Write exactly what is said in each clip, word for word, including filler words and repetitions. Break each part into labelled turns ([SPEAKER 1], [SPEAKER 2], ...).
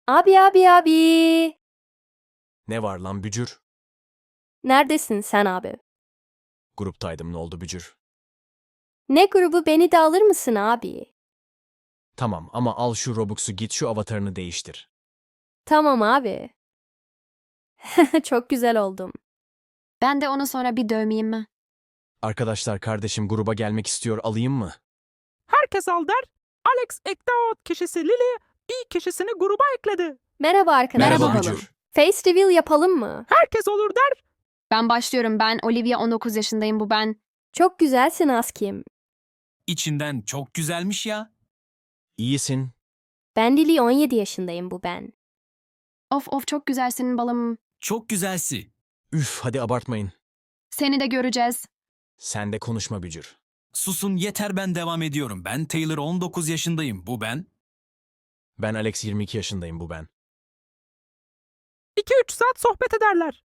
[SPEAKER 1] Abi abi abi.
[SPEAKER 2] Ne var lan bücür?
[SPEAKER 1] Neredesin sen abi?
[SPEAKER 2] Gruptaydım, ne oldu bücür?
[SPEAKER 1] Ne grubu, beni de alır mısın abi?
[SPEAKER 2] Tamam ama al şu Robux'u, git şu avatarını değiştir.
[SPEAKER 1] Tamam abi. Çok güzel oldum.
[SPEAKER 3] Ben de onu sonra bir dövmeyeyim mi?
[SPEAKER 2] Arkadaşlar, kardeşim gruba gelmek istiyor, alayım mı?
[SPEAKER 4] Herkes al der. Alex Ektaot kişisi Lily, i kişisini gruba ekledi.
[SPEAKER 1] Merhaba arkadaşlar.
[SPEAKER 3] Merhaba
[SPEAKER 1] Yapalım.
[SPEAKER 2] bücür.
[SPEAKER 1] Face reveal yapalım mı?
[SPEAKER 4] Herkes olur der.
[SPEAKER 3] Ben başlıyorum. Ben Olivia, on dokuz yaşındayım, bu ben.
[SPEAKER 1] Çok güzelsin Askim.
[SPEAKER 5] İçinden çok güzelmiş ya.
[SPEAKER 2] İyisin.
[SPEAKER 1] Ben Lily, on yedi yaşındayım, bu ben.
[SPEAKER 3] Of of, çok güzelsin balım.
[SPEAKER 5] Çok güzelsi.
[SPEAKER 2] Üf, hadi abartmayın.
[SPEAKER 3] Seni de göreceğiz.
[SPEAKER 2] Sen de konuşma bücür.
[SPEAKER 5] Susun yeter, ben devam ediyorum. Ben Taylor, on dokuz yaşındayım. Bu ben.
[SPEAKER 2] Ben Alex, yirmi iki yaşındayım, bu ben.
[SPEAKER 4] iki üç saat sohbet ederler.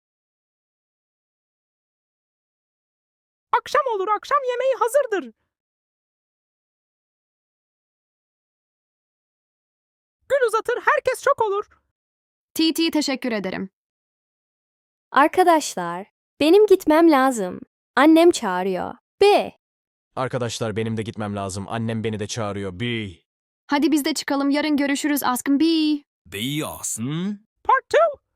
[SPEAKER 4] Akşam olur, akşam yemeği hazırdır. Gül uzatır, herkes çok olur.
[SPEAKER 3] T T, teşekkür ederim.
[SPEAKER 1] Arkadaşlar, benim gitmem lazım. Annem çağırıyor. B.
[SPEAKER 2] Arkadaşlar, benim de gitmem lazım. Annem beni de çağırıyor. Bi.
[SPEAKER 3] Hadi biz de çıkalım. Yarın görüşürüz askım. Bye.
[SPEAKER 5] Beyazın.
[SPEAKER 4] Part iki.